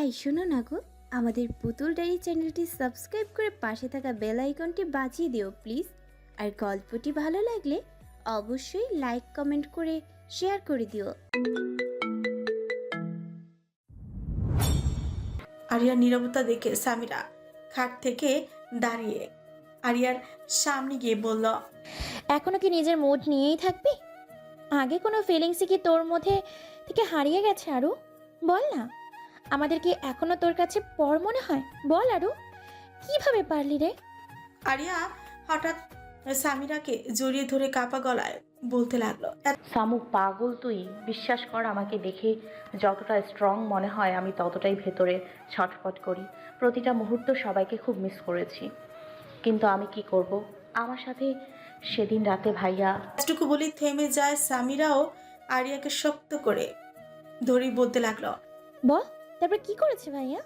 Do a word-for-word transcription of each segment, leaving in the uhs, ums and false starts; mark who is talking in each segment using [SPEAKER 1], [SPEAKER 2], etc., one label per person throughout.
[SPEAKER 1] এই শোনো না গো, আমাদের পুতুল ডায়েরি চ্যানেলটি সাবস্ক্রাইব করে পাশে থাকা বেল আইকনটি বাজিয়ে দিও প্লিজ। আর গল্পটি ভালো লাগলে অবশ্যই লাইক কমেন্ট করে শেয়ার করে দিও।
[SPEAKER 2] আরিয়ার নীরবতা দেখে সামিরা খাট থেকে দাঁড়িয়ে আরিয়ার সামনে গিয়ে বলল,
[SPEAKER 3] এখনো কি নিজের মুড নিয়েই থাকবি? আগে কোনো ফিলিংসই কি তোর মধ্যে থেকে হারিয়ে গেছে আরু? বল না, আমাদের কি এখনো তোর কাছে পর মনে হয়? বল আরু, কিভাবে পারলি রে?
[SPEAKER 2] আরিয়া হঠাৎ সামিরাকে জড়িয়ে ধরে কাপা গলায় বলতে লাগলো,
[SPEAKER 4] সামু পাগল তুই। বিশ্বাস কর, আমাকে দেখে যতটা স্ট্রং মনে হয় আমি ততটাই ভেতরে ছটফট করি। প্রতিটা মুহূর্ত সবাইকে খুব মিস করেছি, কিন্তু আমি কি করব? আমার সাথে সেদিন রাতে ভাইয়া।
[SPEAKER 2] এতটুকু বলে থেমে যায়। সামিরাও আরিয়াকে শক্ত করে ধরে বলতে লাগলো,
[SPEAKER 3] বল, তারপর কি করেছে ভাইয়া?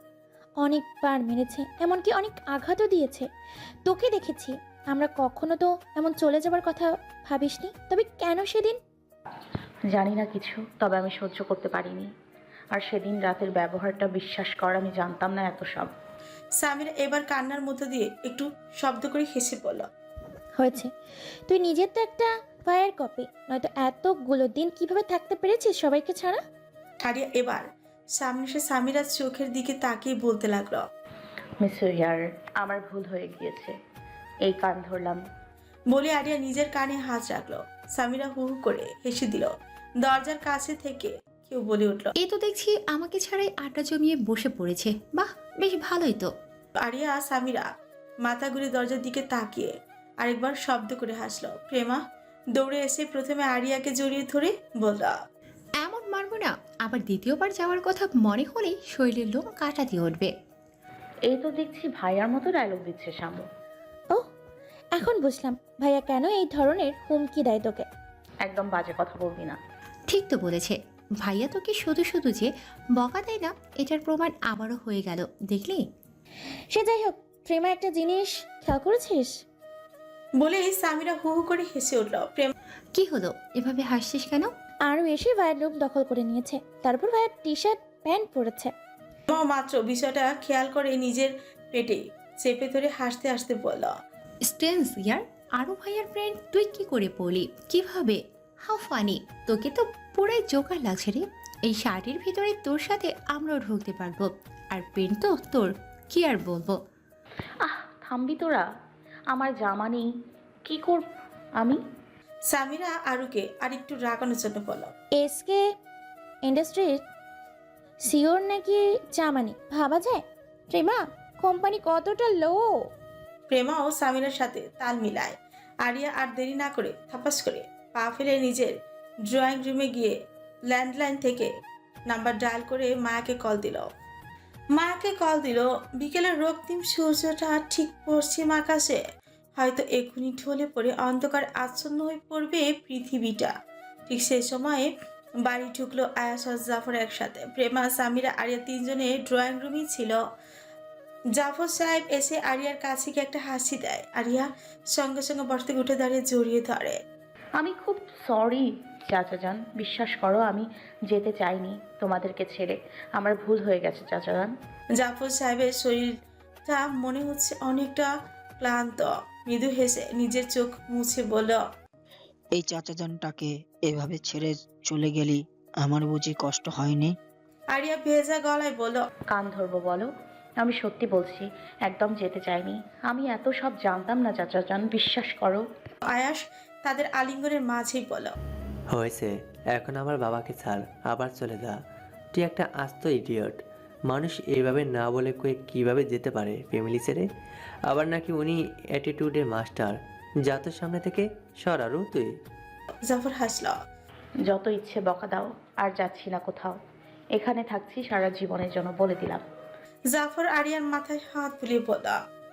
[SPEAKER 3] অনেকবার মেরেছে, এমনকি অনেক আঘাতও দিয়েছে। তোকে দেখেছি, আমরা কখনো তো এমন চলে যাবার কথা ভাবিসনি। তবে কেন সেদিন?
[SPEAKER 4] জানি না কিছু, তবে আমি সহ্য করতে পারিনি। আর সেদিন রাতের ব্যবহারটা, বিশ্বাস কর আমি জানতাম না এত সব।
[SPEAKER 2] সামিরা এবার কান্নার মধ্য দিয়ে একটু শব্দ করে হেসে বলল,
[SPEAKER 3] হয়েছে, তুই নিজের তো একটা ফায়ার কপি, নয়তো এতগুলো দিন কিভাবে থাকতে পেরেছিস সবাইকে ছাড়া?
[SPEAKER 2] আরিয়া এবার সামনে এসে সামিরার চোখের দিকে তাকিয়ে বলতে লাগলো,
[SPEAKER 4] মিস ইয়ার, আমার ভুল হয়ে গিয়েছে, এই কান ধরলাম।
[SPEAKER 2] বলে আরিয়া নিজের কানে হাত রাখলো। সামিরা হু হু করে হেসে দিল। দরজার কাছে থেকে কেউ বলে উঠল,
[SPEAKER 5] এ তো দেখছি আমাকে ছাড়াই আড্ডা জমিয়ে বসে পড়েছে। বাহ, বেশ ভালোই তো।
[SPEAKER 2] আরিয়া সামিরা মাথা ঘুরে দরজার দিকে তাকিয়ে আরেকবার শব্দ করে হাসলো। প্রেমা দৌড়ে এসে প্রথমে আরিয়াকে জড়িয়ে ধরে বলল,
[SPEAKER 5] এমন মারবো না, আবার দ্বিতীয়বার যাওয়ার কথা মনে হলেই শরীরের লোম কাটা দিয়ে উঠবে।
[SPEAKER 4] এই তো দেখছি ভাইয়ার মতো ডায়লগ দিচ্ছে সামু।
[SPEAKER 3] ও, এখন বুঝলাম ভাইয়া কেন এই ধরনের হুমকি দেয় তোকে।
[SPEAKER 4] একদম বাজে কথা বলবি না।
[SPEAKER 5] ঠিক তো বলেছে ভাইয়া, তোকে শুধু শুধু যে বকা দেয় না, এটার প্রমাণ আবারও হয়ে গেল, দেখলি?
[SPEAKER 3] সে যাই হোক, প্রেমা একটা জিনিস খেয়াল করেছিস?
[SPEAKER 2] বলেই সামিরা হু হু করে হেসে উঠল। প্রেমা
[SPEAKER 5] কি হলো, এভাবে হাসছিস কেন?
[SPEAKER 3] আরও এসে ভাইয়ের রুম দখল করে নিয়েছে, তারপর ভাইয়ের টি শার্ট প্যান্ট পরেছে।
[SPEAKER 2] মাত্র বিষয়টা খেয়াল করে নিজের পেটে চেপে ধরে হাসতে হাসতে বলল,
[SPEAKER 5] স্টেন্স ইয়ার, আরো ভাইয়ার ফ্রেন্ড তুই কি করে পড়লি? কিভাবে? হাউ ফানি, তোকে তো পুরাই জোকার লাগছে রে। এই শার্টের ভিতরে তোর সাথে আমরাও ঢুকতে পারবো, আর প্যান্ট তো তোর, কি আর বলবো।
[SPEAKER 4] আহ থামবি তোরা, আমার জামা নেই, কি করব আমি?
[SPEAKER 2] সামিরা আরুকে আরেকটু রাগানোর জন্য বলল,
[SPEAKER 3] এসকে ইন্ডাস্ট্রির সিওর নাকি জামানি ভাবা যায়? প্রেমা, কোম্পানি কতটা লো।
[SPEAKER 2] প্রেমাও সামিরার সাথে তাল মিলায়। আরিয়া আর দেরি না করে থাপাস করে পা ফেলে নিজের ড্রয়িং রুমে গিয়ে ল্যান্ডলাইন থেকে নাম্বার ডায়াল করে মায়াকে কল দিল। মায়াকে কল দিল। বিকেলের রক্তিম সূর্যটা ঠিক পশ্চিম আকাশে, হয়তো এক্ষুনি ঢলে পড়ে অন্ধকার আচ্ছন্ন হয়ে পড়বে পৃথিবীটা। ঠিক সেই সময়ে বাড়ি ঢুকলো আয়াস আর জাফর একসাথে। প্রেমা, সামিরা, আরিয়া তিনজনে ড্রয়িং রুমই ছিল। জাফর সাহেব এসে আরিয়ার কাছে গিয়ে একটা হাসি দেয়। আরিয়া সঙ্গে সঙ্গে বসা থেকে উঠে দাঁড়িয়ে জড়িয়ে ধরে।
[SPEAKER 4] আমি খুব সরি চাচা যান, বিশ্বাস করো আমি যেতে চাইনি তোমাদেরকে ছেড়ে। আমার ভুল হয়ে গেছে চাচা যান।
[SPEAKER 2] জাফর সাহেবের শরীরটা মনে হচ্ছে অনেকটা ক্লান্ত। মৃদু হেসে নিজের চোখ মুছে বলল,
[SPEAKER 6] এই চাচাজানটাকে এভাবে ছেড়ে চলে গেলি, আমার বুঝি কষ্ট হয়নি?
[SPEAKER 2] আরিয়া ভেজা গলায় বলল,
[SPEAKER 4] কান ধরবো বলো? আমি সত্যি বলছি, একদম যেতে চাইনি। আমি এত সব জানতাম না চাচা যান, বিশ্বাস করো।
[SPEAKER 2] আয়াস তাদের আলিঙ্গনের মাঝেই বলল,
[SPEAKER 7] হয়েছে, এখন আমার বাবাকে ছাড়, আবার চলে যা। তুই একটা আস্ত ইডিয়ট। মানুষ এইভাবে না বলে কয়ে কীভাবে যেতে পারে ফ্যামিলি ছেড়ে? আবার নাকি উনি অ্যাটিটিউডের মাস্টার। যা তোর সামনে থেকে সর আরু তুই।
[SPEAKER 2] জাফর হাসল।
[SPEAKER 4] যত ইচ্ছে বকা দাও, আর যাচ্ছি না কোথাও, এখানে থাকছি সারা জীবনের জন্য, বলে দিলাম।
[SPEAKER 2] জাফর আরিয়ার মাথায় হাত বুলিয়ে বলল,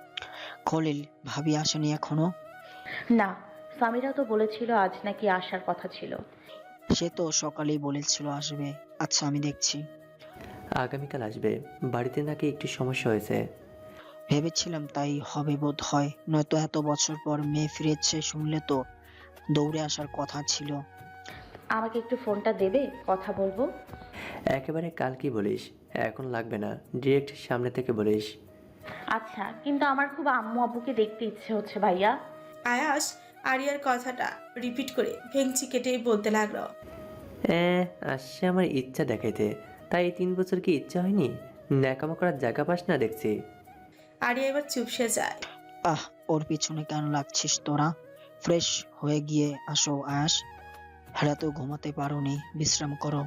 [SPEAKER 6] খলিল ভাবি আসেনি এখনো?
[SPEAKER 4] না, সামিরা তো বলেছিল আজ নাকি আসার কথা ছিল।
[SPEAKER 6] সে তো সকালেই বলেছিল আসবে। আচ্ছা, আমি দেখছি।
[SPEAKER 7] আগামীকাল আসবে। বাড়িতে নাকি একটু সমস্যা হয়েছে।
[SPEAKER 6] ভেবেছিলাম তাই হবে বোধ হয়, নয়তো এত বছর পর মেয়ে ফিরেছে শুনলে তো দৌড়ে আসার কথা ছিল।
[SPEAKER 4] আমাকে একটু ফোনটা দেবে, কথা বলবো।
[SPEAKER 7] একেবারে কাল কি বলিস? এখন লাগবে না, ডিরেক্ট সামনে থেকে বলিস।
[SPEAKER 4] আচ্ছা, কিন্তু আমার খুব আম্মু আব্বুকে দেখতে ইচ্ছে হচ্ছে ভাইয়া।
[SPEAKER 2] আয়াস আরিয়ার কথাটা রিপিট করে ভেঙচি কেটে বলতে লাগলো।
[SPEAKER 7] হ্যাঁ, আসছে আমার ইচ্ছা দেখাইতে, তাই এই তিন বছর কি ইচ্ছা হয়নি? ন্যাকামো করার জায়গা পাস না দেখছি।
[SPEAKER 2] আরিয়া এবার চুপসে যায়।
[SPEAKER 6] আহ, ওর পিছনে কেন লাগছিস তোরা? ফ্রেশ হয়ে গিয়ে আসো আয়াস। রাতেও ঘুমাতে পারোনি, বিশ্রাম করো।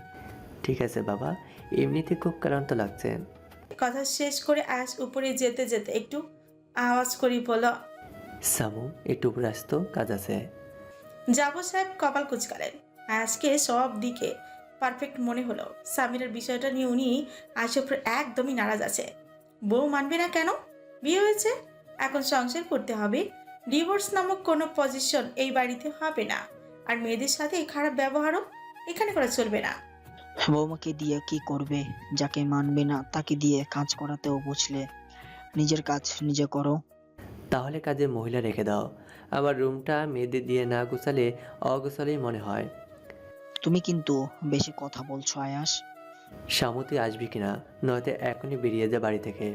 [SPEAKER 7] ঠিক আছে বাবা, এমনিতে খুব ক্লান্ত লাগছে।
[SPEAKER 2] কথা শেষ করে আয়াস উপরে যেতে যেতে একটু আওয়াজ করি বলল,
[SPEAKER 7] সামু একটু উপরে আসতো, কাজ আছে।
[SPEAKER 2] জাফর সাহেব কপাল কুচকালেন। আয়াসকে সব দিকে পারফেক্ট মনে হলো। সামিরার বিষয়টা নিয়ে উনি আয়াসের উপর একদমই নারাজ আছে। বউ মানবে না কেন? বিয়ে হয়েছে, এখন সংসার করতে হবে। ডিভোর্স নামক কোনো পজিশন এই বাড়িতে হবে না। আর মেয়েদের সাথে এই খারাপ ব্যবহারও এখানে করা চলবে না।
[SPEAKER 6] বৌমাকে দিয়ে কি করবে? যাকে মানবে না তাকে দিয়ে কাজ করাতেও বুঝলে। নিজের কাজ নিজে করো।
[SPEAKER 7] তাহলে কাজে মহিলা রেখে দাও। আমার রুমটা মেয়েদের দিয়ে না গুছালে অগোছালেই মনে হয়।
[SPEAKER 6] তুমি কিন্তু বেশি কথা বলছো আয়াস।
[SPEAKER 7] শামু তুই আসবি কিনা, নয়তো এখনই বেরিয়ে যা বাড়ি থেকে।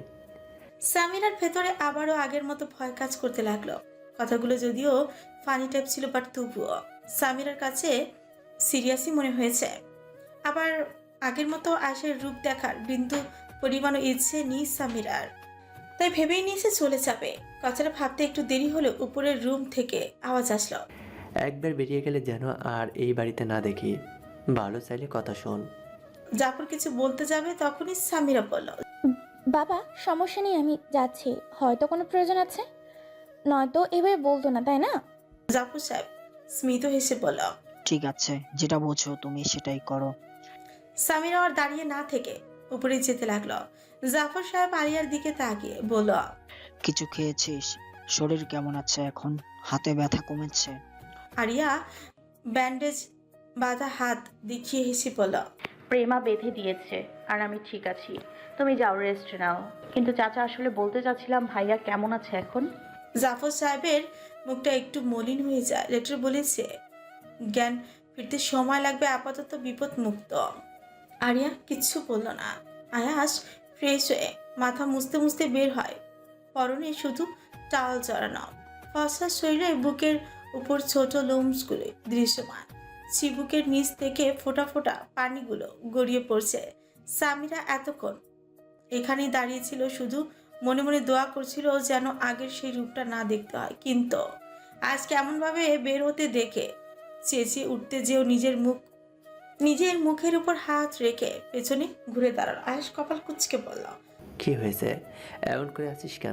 [SPEAKER 2] সামিরার ভেতরে আবারও আগের মতো ভয় কাজ করতে লাগলো। কথাগুলো যদিও ফানি টাইপ ছিল, বাট তবুও সামিরার কাছে সিরিয়াসই মনে হয়েছে। আবার আগের মতো আয়েশের রূপ দেখার বিন্দু পরিমাণও ইচ্ছে নেই সামিরার। তাই ভেবেই নিয়েছে চলে যাবে। কথাটা ভাবতে একটু দেরি হলেও উপরের রুম থেকে আওয়াজ আসলো।
[SPEAKER 7] একবার বেরিয়ে গেলে যেন আর এই বাড়িতে না দেখি। ভালো চাইলে কথা শোন।
[SPEAKER 2] জাফর কিছু বলতে যাবে তখনই সামিরা বলল,
[SPEAKER 3] বাবা সমস্যা নেই, আমি যাচ্ছি, হয়তো কোনো প্রয়োজন আছে, নয়তো এভাবে বলতো না, তাই না?
[SPEAKER 2] জাফর সাহেব স্মিত হেসে বলল।
[SPEAKER 6] ঠিক আছে, যেটা বোঝো তুমি সেটাই করো।
[SPEAKER 2] সামিরা আর দাঁড়িয়ে না থেকে উপরে যেতে লাগলো। জাফর সাহেব আরিয়ার দিকে তাকিয়ে বলল,
[SPEAKER 6] কিছু খেয়েছিস? শরীর কেমন আছে এখন? হাতে ব্যথা কমেছে?
[SPEAKER 2] আরিয়া ব্যান্ডেজ বাঁধা হাত দেখিয়ে হেসে বলল,
[SPEAKER 4] প্রেমা বেঁধে দিয়েছে আর আমি ঠিক আছি। তুমি যাও, রেস্ট নাও। কিন্তু চাচা, আসলে বলতে চাচ্ছিলাম ভাইয়া কেমন আছে এখন?
[SPEAKER 2] জাফর সাহেবের মুখটা একটু মলিন হয়ে যায়। লেটার বলেছে জ্ঞান ফিরতে সময় লাগবে, আপাতত বিপদ মুক্ত। আরিয়া কিচ্ছু বলল না। আয়াস ফ্রেশ হয়ে মাথা মুছতে মুছতে বের হয়। পরনে শুধু টাওয়াল জড়ানো, ফসা শরীরে বুকের উপর ছোট লোমসগুলো দৃশ্যমান। চিবুকের নিচ থেকে ফোঁটা ফোঁটা পানিগুলো গড়িয়ে পড়ছে। সামিরা এতক্ষণ এখানেই দাঁড়িয়েছিল, শুধু মনে মনে দোয়া করছিল যেন আগের সেই রূপটা না দেখতে হয়। কিন্তু আজ কেমনভাবে বের হতে দেখে চেঁচিয়ে উঠতে যেও নিজের মুখ নিজের মুখের উপর হাত রেখে পেছনে ঘুরে দাঁড়ালো। আয়াস কপাল কুঁচকে বলল,
[SPEAKER 7] কি হয়েছে? এমন করে আছিস কেন?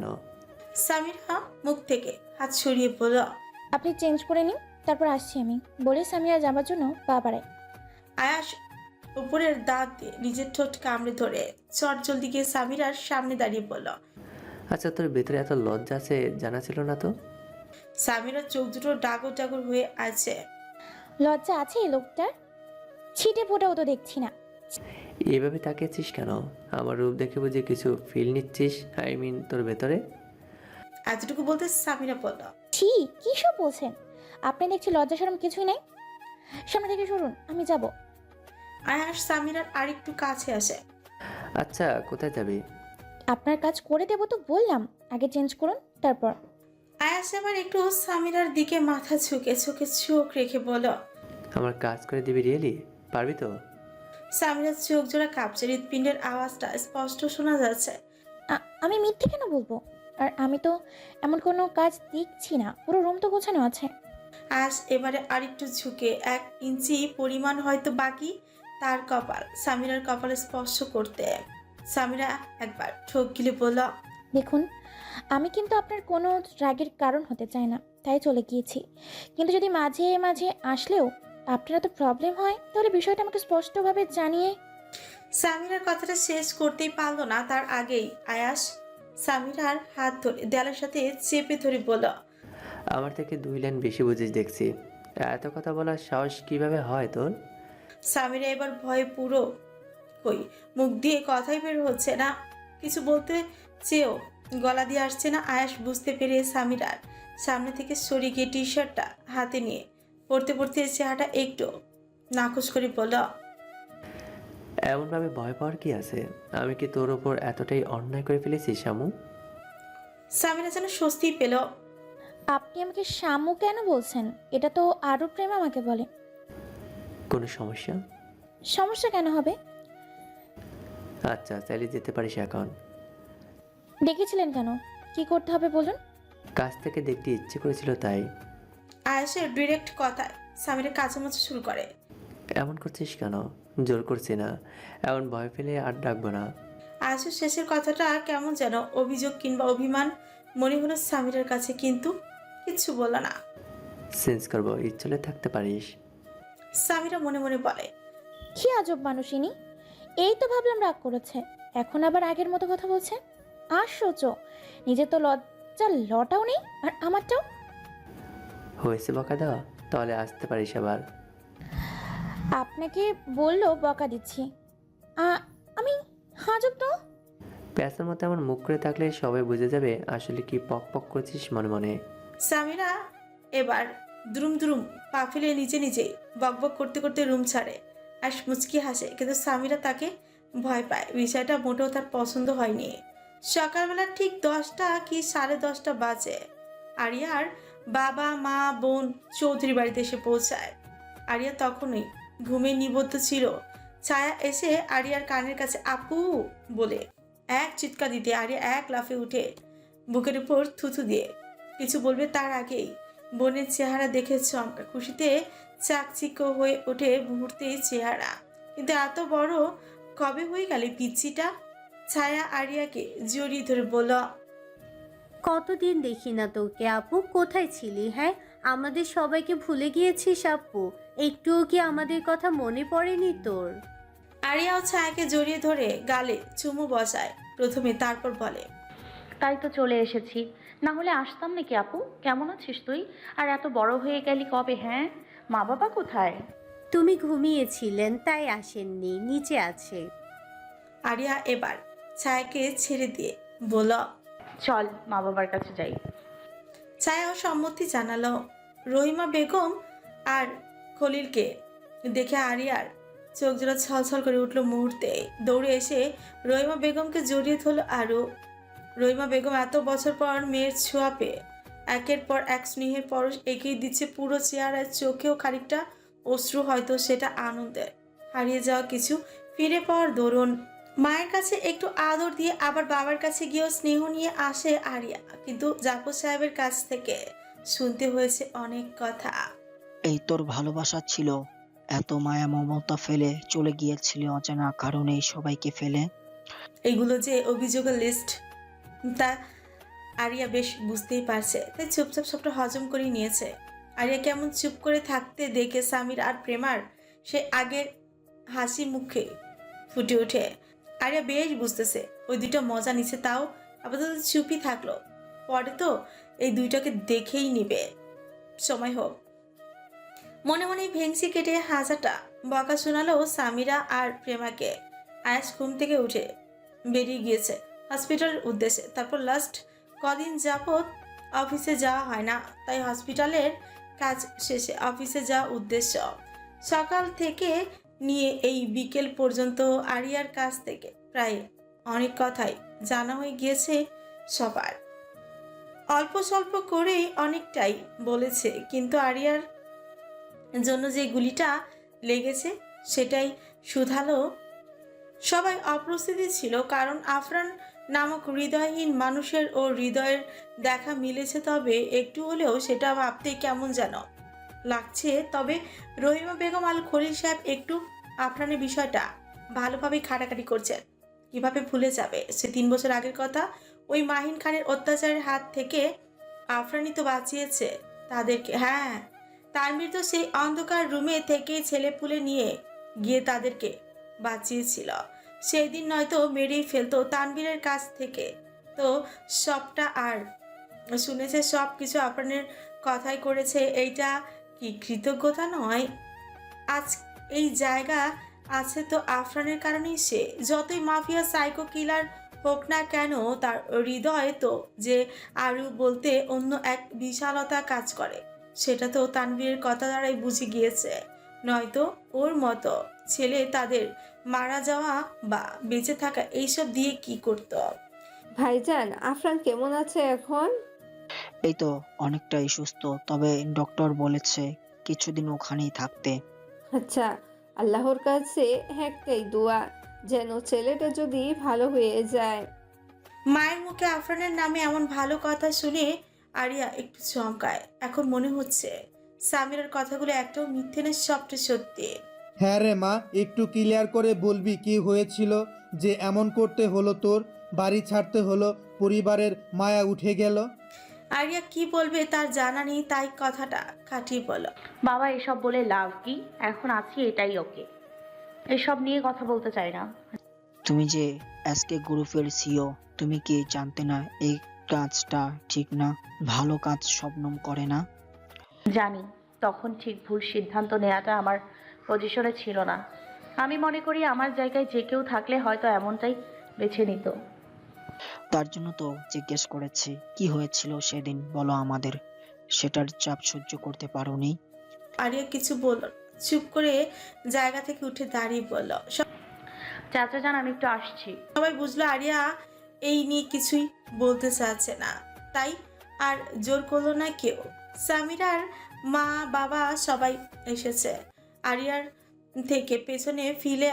[SPEAKER 2] সামিরা মুখ থেকে হাত সরিয়ে বলল,
[SPEAKER 3] আপনি চেঞ্জ করে নিন, তারপর আসছি আমি, বলে সামিরা যাবার জন্য পা বাড়ায়।
[SPEAKER 2] আয়াস উপরের দাঁত দিয়ে নিজের ঠোঁট কামড়ে ধরে চট জলদি গিয়ে সামিরার সামনে দাঁড়িয়ে বলল।
[SPEAKER 7] আচ্ছা, তোর ভেতরে এত লজ্জা আছে জানা ছিল না তো।
[SPEAKER 2] সামিরার চোখ দুটো ডাগর ডাগর হয়ে আছে।
[SPEAKER 3] লজ্জা আছে এই লোকটার? ছিটে ফোটাও তো দেখছি না।
[SPEAKER 7] এভাবে তাকিয়েছিস কেন? আমার রূপ দেখে বুঝি কিছু ফিল নিচ্ছিস? আই মিন তোর ভেতরে।
[SPEAKER 2] এতটুকু বলতে সামিরা বলল,
[SPEAKER 3] ছি, কি সব বলছেন আপনি? দেখছি লজ্জা শরম কিছুই নাই। সামনে থেকে সরুন, আমি যাব।
[SPEAKER 2] আয়াস সামিরার আরেকটু কাছে আসে।
[SPEAKER 7] আচ্ছা, কোথায় যাবি?
[SPEAKER 3] আপনার কাজ করে দেবো তো বললাম, আগে চেঞ্জ করুন তারপর।
[SPEAKER 2] আয়াস এবার একটু সামিরার দিকে মাথা ঝুঁকে চোখে চোখ রেখে বলল,
[SPEAKER 7] আমার কাজ করে দিবি? রিয়েলি পারবি তো?
[SPEAKER 2] সামিরার চোখ জোড়া কাঁপছে, হৃৎপিণ্ডের আওয়াজটা স্পষ্ট শোনা যাচ্ছে।
[SPEAKER 3] আ- আমি মিথ্যে কেন বলবো? আর আমি তো এমন কোনো কাজ দেখছি না, পুরো রুম তো গোছানো আছে।
[SPEAKER 2] আয়াস এবারে আরেকটু ঝুঁকে এক ইঞ্চি পরিমাণ হয়তো বাকি তার কপাল সামিরার কপালে স্পর্শ করতে। সামিরা একবার ঠোক গিলে বলল,
[SPEAKER 3] দেখুন, আমি কিন্তু আপনার কোনো রাগের কারণ হতে চাই না, তাই চলে গিয়েছি। কিন্তু যদি মাঝে মাঝে আসলেও আপনারা তো প্রবলেম হয়, তাহলে বিষয়টা আমাকে স্পষ্টভাবে জানিয়ে।
[SPEAKER 2] সামিরার কথাটা শেষ করতেই পারল না, তার আগেই আয়াস সামিরার হাত ধরে দেয়ালের সাথে চেপে ধরে বলল,
[SPEAKER 7] আমার থেকে দুই লাইন বেশি বুঝিস দেখছি। এত কথা বলার সাহস কিভাবে হয় তোর?
[SPEAKER 2] সামিরা এবার ভয়ে পুরো কই, মুখ দিয়ে কথাই বের হচ্ছে না, কিছু বলতে চেয়েও গলা দিয়ে আসছে না। আয়াস বুঝতে পেরে সামিরার সামনে থেকে সরে গিয়ে টি শার্টটা হাতে নিয়ে পড়তে পড়তে চেহারাটা একটু নাকচ করে বলল,
[SPEAKER 7] এমনভাবে ভয় পাওয়ার কি আছে? আমি কি তোর ওপর এতটাই অন্যায় করে ফেলেছি শামু?
[SPEAKER 2] সামিরা যেন স্বস্তি পেল।
[SPEAKER 3] আপনি আমাকে শামু কেন বলছেন? এটা তো আরও প্রেম আমাকে বলে।
[SPEAKER 7] কোনো সমস্যা?
[SPEAKER 3] সমস্যা কেন হবে?
[SPEAKER 7] আচ্ছা, চাইলে যেতে পারিস এখন।
[SPEAKER 3] ডেকেছিলেন কেন? কি করতে হবে বলুন।
[SPEAKER 7] কাছ থেকে দেখতে ইচ্ছে করেছিল তাই।
[SPEAKER 2] আয়েশের ডিরেক্ট কথায় সামিরা কাচামাচি শুরু করে।
[SPEAKER 7] এমন করছিস কেন? জোর করছি না, এমন ভয় পেলে আর ডাকবো না।
[SPEAKER 2] আয়েশের শেষের কথাটা কেমন যেন অভিযোগ কিংবা অভিমান মনে হলো সামিরার কাছে, কিন্তু কিচ্ছু বলল না।
[SPEAKER 7] চেঞ্জ করবো, ইচ্ছলে থাকতে পারিস।
[SPEAKER 2] সামিরা মনে মনে বলে,
[SPEAKER 3] কি আজব মানুষ ইনি। এই তো ভাবলাম রাগ করেছে, এখন আবার আগের মতো কথা বলছে। আশ্চর্য, নিজের তো লজ্জা লটাও নেই, আর আমারটাও।
[SPEAKER 7] হয়েছে বকা দেওয়া? তাহলে আসতে পারিস আবার।
[SPEAKER 3] আপনাকে বললো বকা দিচ্ছি? আ- আমি হাজব তো।
[SPEAKER 7] প্যাঁচের মতো এমন মুখ করে থাকলে সবাই বুঝে যাবে আসলে কি পক পক করছিস মনে মনে।
[SPEAKER 2] সামিরা এবার দ্রুম দ্রুম পা ফেলে নিজে নিজেই বকবক করতে করতে রুম ছাড়ে। আর মুচকি হাসে, কিন্তু সামিরা তাকে ভয় পায়। বিষয়টা মোটেও তার পছন্দ হয়নি। সকালবেলা ঠিক দশটা কি সাড়ে দশটা বাজে আরিয়ার বাবা মা বোন চৌধুরী বাড়িতে এসে পৌঁছায়। আরিয়া তখনই ঘুমে নিবদ্ধ ছিল। ছায়া এসে আরিয়ার কানের কাছে আপু বলে এক চিৎকার দিতে আরিয়া এক লাফে উঠে বুকের উপর থুথু দিয়ে কিছু বলবে তার আগেই বোনের চেহারা দেখে চমকা খুশিতে চাকচিক্য হয়ে ওঠে মুহূর্তেই চেহারা। কিন্তু এত বড় কবে হয়ে গেল পিচ্ছিটা? ছায়া আরিয়াকে জড়িয়ে ধরে বলল,
[SPEAKER 8] কতদিন দেখি না তোকে আপু, কোথায় ছিলি? হ্যাঁ, আমাদের সবাইকে ভুলে গিয়েছিস আপু? একটুও কি আমাদের কথা মনে পড়েনি তোর?
[SPEAKER 2] আরিয়াও ছায়াকে জড়িয়ে ধরে গালে চুমু বসায় প্রথমে, তারপর বলে,
[SPEAKER 4] তাই তো চলে এসেছি, না হলে আসতাম নাকি আপু? কেমন আছিস তুই? আর এত বড় হয়ে গেলি কবে? হ্যাঁ, মা বাবা কোথায়?
[SPEAKER 8] তুমি ঘুমিয়েছিলেন তাই আসেননি, নিচে আছে।
[SPEAKER 2] আরিয়া এবার ছায়াকে ছেড়ে দিয়ে বলল,
[SPEAKER 4] চল মা বাবার কাছে যাই।
[SPEAKER 2] ছায়াও সম্মতি জানালো। রহিমা বেগম আর খলিলকে দেখে আরিয়ার চোখ জোড়া ছলছল করে উঠল মুহূর্তে। দৌড়ে এসে রহিমা বেগমকে জড়িয়ে ধরল আরও। রহিমা বেগম এত বছর পর মেয়ের ছোঁয়া পেয়ে একের পর এক স্নেহের পরশ এগিয়ে দিচ্ছে পুরো চেহারায়, চোখেও খানিকটা অশ্রু, হয়তো সেটা আনন্দের হারিয়ে যাওয়া কিছু ফিরে পাওয়ার দরুন। মায়ের কাছে একটু আদর দিয়ে আবার বাবার কাছে গিয়েও স্নেহ নিয়ে আসে আরিয়া, কিন্তু জাফর সাহেবের কাছ থেকে শুনতে হয়েছে অনেক কথা।
[SPEAKER 6] এই তোর ভালোবাসা ছিল, এত মায়া মমতা ফেলে চলে গিয়েছিলি অজানা কারণেই সবাইকে ফেলে।
[SPEAKER 2] এগুলো যে অভিযোগের লিস্ট তা আরিয়া বেশ বুঝতেই পারছে, তাই চুপচাপ সবটা হজম করে নিয়েছে। আরিয়া কেমন চুপ করে থাকতে দেখে সামির আর প্রেমার সে আগের হাসি মুখে ফুটে ওঠে। আরিয়া বেশ বুঝতেছে ওই দুইটা মজা নিচ্ছে, তাও আপাতত চুপই থাকলো। পরে তো এই দুইটাকে দেখেই নিবে, সময় হোক। মনে মনে ভেংসি কেটে হাজারটা বকা শোনালো সামিরা আর প্রেমাকে। আয়াস ঘুম থেকে উঠে বেরিয়ে গিয়েছে হসপিটালের উদ্দেশ্যে। তারপর লাস্ট কদিন যাবত অফিসে যাওয়া হয় না, তাই হসপিটালের কাজ শেষে অফিসে যাওয়া উদ্দেশ্য। সকাল থেকে নিয়ে এই বিকেল পর্যন্ত আরিয়ার কাছ থেকে প্রায় অনেক কথাই জানা হয়ে গিয়েছে সবার। অল্প স্বল্প করেই অনেকটাই বলেছে, কিন্তু আরিয়ার জন্য যে গুলিটা লেগেছে সেটাই শুধালো। সবাই অপ্রস্তুতি ছিল, কারণ আফরান নামক হৃদয়হীন মানুষের ও হৃদয়ের দেখা মিলেছে, তবে একটু হলেও সেটা ভাবতে কেমন যেন লাগছে। তবে রহিমা বেগম আল খলিল সাহেব একটু আফরানের বিষয়টা ভালোভাবে খাটাখাটি করছেন। কিভাবে ভুলে যাবে সে তিন বছর আগের কথা? ওই মাহিন খানের অত্যাচারের হাত থেকে আফরানই তো বাঁচিয়েছে তাদেরকে। হ্যাঁ, তানভীর তো সেই অন্ধকার রুমে থেকে ছেলেপুলে নিয়ে গিয়ে তাদেরকে বাঁচিয়েছিল। সেই দিন নয়তো মেরেই ফেলতো তানভীরের কাছ থেকে। তো সবটা আর শুনেছে, সব কিছু আফরানের কথাই করেছে। এইটা কি কৃতজ্ঞতা নয়? আজ এই জায়গা আছে তো আফরানের কারণেই। সে যতই মাফিয়া সাইকো কিলার হোক না কেন, তার হৃদয় তো যে আরও বলতে অন্য এক বিশালতা কাজ করে, সেটা তো তানভীরের কথা দ্বারাই বুঝে গিয়েছে। নয়তো ওর মতো ছেলে তাদের মারা যাওয়া বা বেঁচে থাকা এইসব দিয়ে কি করতো।
[SPEAKER 9] ভাইজান, আফরান কেমন আছে এখন?
[SPEAKER 6] এই তো অনেকটাই সুস্থ, তবে ডক্টর বলেছে কিছুদিন ওখানেই থাকতে।
[SPEAKER 9] আচ্ছা, আল্লাহর কাছে একটাই দোয়া, যেন ছেলেটা যদি ভালো হয়ে যায়।
[SPEAKER 2] মায়ের মুখে আফরানের নামে এমন ভালো কথা শুনে আরিয়া একটু চমকায়। এখন মনে হচ্ছে সামিরার কথাগুলো একটাও মিথ্যে না, সবটা সত্যি।
[SPEAKER 10] হ্যাঁ রে মা, একটু ক্লিয়ার করে বলবি কি হয়েছিল যে এমন করতে হলো, তোর বাড়ি ছাড়তে হলো, পরিবারের মায়া উঠে গেল?
[SPEAKER 2] আরিয়া কি বলবে তার জানা নেই, তাই কথাটা কাটিয়ে বলল।
[SPEAKER 4] বাবা এসব বলে লাভ কি? এখন আছি এটাই ওকে, এসব নিয়ে কথা বলতে চাই না।
[SPEAKER 6] তুমি যে এসকে গ্রুপের সিও, তুমি কি জানতে না এই কাজটা ঠিক না? ভালো কাজ শবনম করে না।
[SPEAKER 4] জানি, তখন ঠিক ভুল সিদ্ধান্ত নেওয়াটা আমার পজিশনে ছিল না। আমি মনে করি আমার জায়গায় যে কেউ থাকলে হয়তো এমনটাই বেছে নিত।
[SPEAKER 6] তার জন্য তো জিজ্ঞেস করেছি কি হয়েছিল সেদিন, বলো আমাদের। সেটার চাপ সহ্য করতে পারোনি?
[SPEAKER 2] আরিয়া কিছু বলল না, চুপ করে জায়গা থেকে উঠে দাঁড়িয়ে বলল।
[SPEAKER 4] চাচা যান, আমি একটু আসছি।
[SPEAKER 2] সবাই বুঝলো আরিয়া এই নিয়ে কিছুই বলতে চাচ্ছে না, তাই আর জোর করলো না কেউ। সামিরার মা বাবা সবাই এসেছে। আরিয়ার থেকে পেছনে ফিলে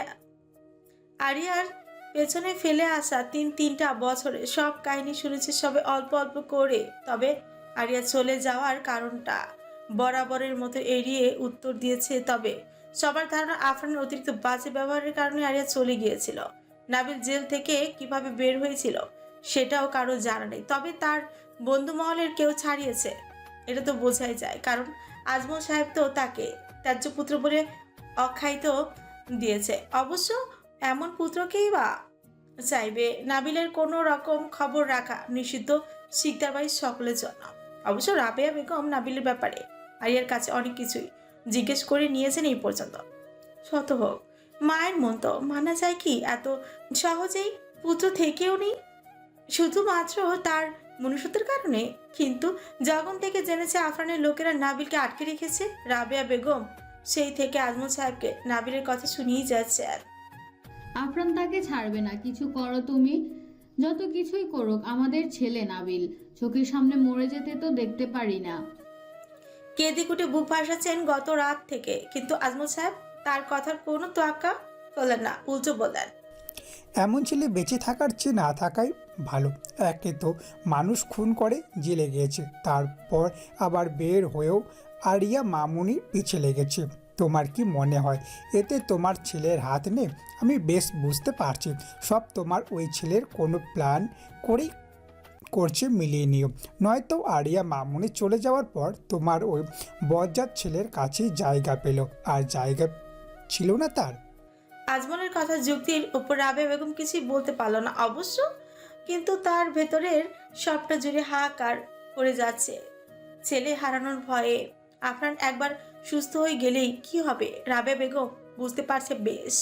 [SPEAKER 2] আরিয়ার পেছনে ফেলে আসা তিন তিনটা বছরে সব কাহিনী শুনেছে সবে অল্প অল্প করে। তবে আরিয়া চলে যাওয়ার কারণটা বরাবরের মতো এড়িয়ে উত্তর দিয়েছে। তবে সবার ধারণা আফরানের অতিরিক্ত বাজে ব্যবহারের কারণে আরিয়া চলে গিয়েছিল। নাবিল জেল থেকে কিভাবে বের হয়েছিল সেটাও কারো জানা নেই, তবে তার বন্ধু মহলের কেউ ছাড়িয়েছে এটা তো বোঝাই যায়, কারণ আজমল সাহেব তো তাকে ত্যায্য পুত্র বলে অখ্যায়িত দিয়েছে। অবশ্য এমন পুত্রকেই বা চাইবে? নাবিলের কোনো রকম খবর রাখা নিষিদ্ধ শিকদার বাড়ির সকলের জন্য। অবশ্য রাবেয়া বেগম নাবিলের ব্যাপারে আরিয়ার কাছে অনেক কিছুই জিজ্ঞেস করে নিয়েছেন এই পর্যন্ত। শত হোক, মায়ের মন তো মানা যায় কি এত সহজেই? পুত্র থেকেও নেই শুধুমাত্র তার মনুষ্যত্বের কারণে। কিন্তু যখন থেকে জেনেছে আফরানের লোকেরা নাবিলকে আটকে রেখেছে, রাবেয়া বেগম সেই থেকে আজমল সাহেবকে নাবিলের কথা শুনিয়েই যাচ্ছে। আর
[SPEAKER 11] আফরান তাকে ছাড়বে না, কিছু করো তুমি। যত কিছুই করুক, আমাদের ছেলে নাবিল, চোখের সামনে মরে যেতে তো দেখতে পারি না।
[SPEAKER 2] কেঁদে কুটে বুক ভাসাচ্ছেন গত রাত থেকে, কিন্তু আজমল সাহেব তার কথার কোনো তোয়াক্কা করলেন না, উল্টো বললেন,
[SPEAKER 12] এমন ছেলে বেঁচে থাকার চেয়ে না থাকাই ভালো। একে তো মানুষ খুন করে জেলে গিয়েছে, তারপর আবার বের হয়েও আরিয়া মামুনির পিছে লেগেছে। তোমার কি মনে হয় এতে তোমার ছেলের হাত নেই? আমি বেশ বুঝতে পারছি সব তোমার ওই ছেলের কোনো প্ল্যান করেই করছে, মিলিয়ে নিও। নয়তো আরিয়া মামুনি চলে যাওয়ার পর তোমার ওই বজ্জাত ছেলের কাছেই জায়গা পেল, আর জায়গা ছিল না তার।
[SPEAKER 2] আজমলের কথা যুক্তির উপর রাবেয়া বেগম কিছুই বলতে পারল না অবশ্য, কিন্তু তার ভেতরের সবটা জুড়ে হাহাকার করে যাচ্ছে ছেলে হারানোর ভয়ে। আফরান একবার সুস্থ হয়ে গেলেই কি হবে রাবেয়া বেগম বুঝতে পারছে বেশ।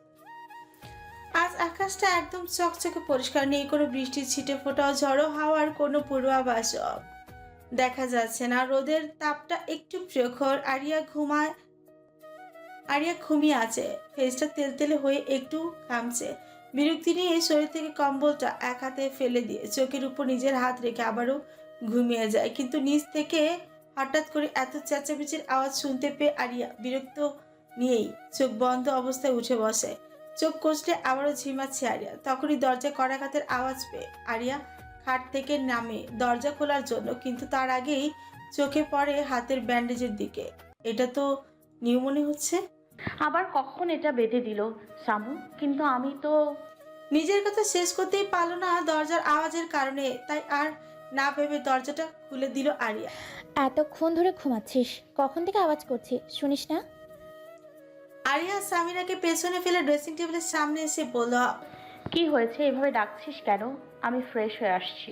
[SPEAKER 2] আজ আকাশটা একদম চকচকে পরিষ্কার, নেই কোনো বৃষ্টির ছিটে ফোটাও, ঝড়ো হাওয়ার কোনো পূর্বাভাস দেখা যাচ্ছে না। রোদের তাপটা একটু প্রখর। আরিয়া ঘুমায় আরিয়া ঘুমিয়ে আছে, ফেসটা তেলতেলে হয়ে একটু ঘামছে। বিরক্তি নিয়ে শরীর থেকে কম্বলটা এক হাতে ফেলে দিয়ে চোখের উপর নিজের হাত রেখে আবারও ঘুমিয়ে যায়। কিন্তু নিচ থেকে হঠাৎ করে এত চেঁচামেচির আওয়াজ শুনতে পেয়ে আরিয়া বিরক্ত নিয়েই চোখ বন্ধ অবস্থায় উঠে বসে। চোখ কষলে আবারও ঝিমাচ্ছে আরিয়া। তখনই দরজা কড়াঘাতের আওয়াজ পেয়ে আরিয়া খাট থেকে নামে দরজা খোলার জন্য, কিন্তু তার আগেই চোখে পড়ে হাতের ব্যান্ডেজের দিকে। এটা তো নিউ মনে হচ্ছে।
[SPEAKER 4] আবার কখন এটা বেঁধে দিল শামু? কিন্তু আমি তো
[SPEAKER 2] নিজের কথা শেষ করতেই পারল না দরজার আওয়াজের কারণে, তাই আর না ভেবে দরজাটা খুলে দিল আরিয়া।
[SPEAKER 3] এতক্ষণ ধরে ঘুমাচ্ছিস, কখন থেকে আওয়াজ করছি শুনিস না?
[SPEAKER 2] আরিয়া সামিরাকে পেছনে ফেলে ড্রেসিং টেবিলের সামনে এসে বলল,
[SPEAKER 4] কি হয়েছে? এভাবে ডাকছিস কেন? আমি ফ্রেশ হয়ে আসছি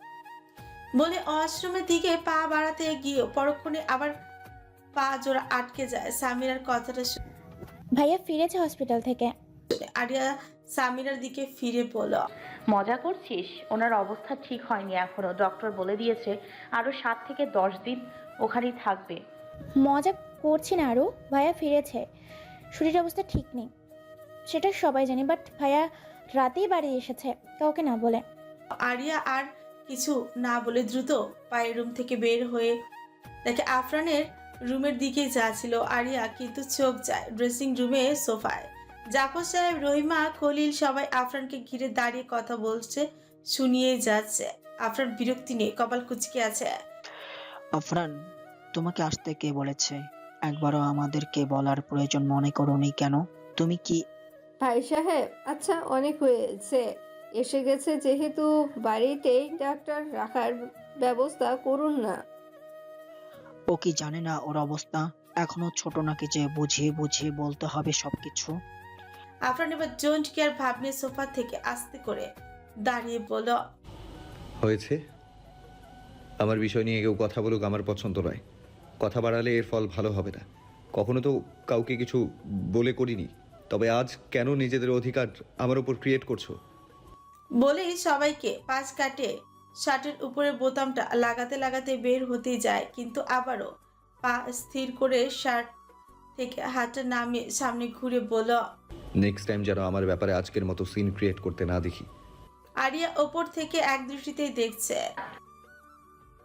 [SPEAKER 2] বলে ওয়াশরুমের দিকে পা বাড়াতে গিয়ে পরক্ষণে আবার পা জোড়া আটকে যায়। সামিরার কথাটা শুনে
[SPEAKER 3] ভাইয়া ফিরেছে হসপিটাল থেকে।
[SPEAKER 2] আরিয়া সামিরার দিকে ফিরে বলল,
[SPEAKER 4] মজা করছিস? ওনার অবস্থা ঠিক হয়নি এখনো, ডক্টর বলে দিয়েছে আরো সাত থেকে দশ দিন ওখানেই থাকবে।
[SPEAKER 3] মজা করছি না আরও। ভাইয়া ফিরেছে, শরীরের অবস্থা ঠিক নেই, সেটা সবাই জানি, বাট ভাইয়া রাতেই বাড়ি এসেছে কাউকে না বলে।
[SPEAKER 2] আরিয়া আর কিছু না বলে দ্রুত পায়ের রুম থেকে বের হয়ে দেখে আফরানের রুমের দিকে যাচ্ছিল আরিয়া, কিন্তু চোখ যায় ড্রেসিং রুমে সোফায়। জাফর সাহেব, রহিমা, খলিল সবাই আফরানকে ঘিরে দাঁড়িয়ে কথা বলছে, শুনিয়েই যাচ্ছে। আফরান বিরক্তি নিয়ে কপাল কুঁচকে আছে।
[SPEAKER 6] আফরান, তোমাকে আসতে কে বলেছে? একবারও আমাদেরকে বলার প্রয়োজন মনে করোনি কেন? তুমি কি
[SPEAKER 9] ভাই সাহেব, আচ্ছা অনেক হয়েছে, এসে গেছে যেহেতু বাড়িতেই ডাক্তার রাখার ব্যবস্থা করুন না।
[SPEAKER 6] ও কি জানে না ওর অবস্থা? এখনো ছোট নাকি যে বুঝিয়ে বুঝিয়ে বলতে হবে সবকিছু?
[SPEAKER 2] আফরান এবার ডোন্ট কেয়ার ভাব নিয়ে সোফা থেকে আস্তে করে দাঁড়িয়ে বলল,
[SPEAKER 13] হয়েছে। আমার বিষয় নিয়ে কেউ কথা বলুক আমার পছন্দ নয়। কথা বাড়ালে এর ফল ভালো হবে না। কখনো তো কাউকে কিছু বলে করিনি, তবে আজ কেন নিজেদের অধিকার আমার উপর ক্রিয়েট করছো?
[SPEAKER 2] বলেই সবাইকে পাশ কাটে শার্টের উপরে বোতামটা লাগাতে লাগাতে বের হতে যায়, কিন্তু আবারও পা স্থির করে শার্ট থেকে হাতটা নামিয়ে সামনে ঘুরে বলল,
[SPEAKER 13] নেক্সট টাইম যেন আমার ব্যাপারে আজকের মতো সিন ক্রিয়েট করতে না দেখি।
[SPEAKER 2] আরিয়া ওপর থেকে এক দৃষ্টিতেই দেখছে।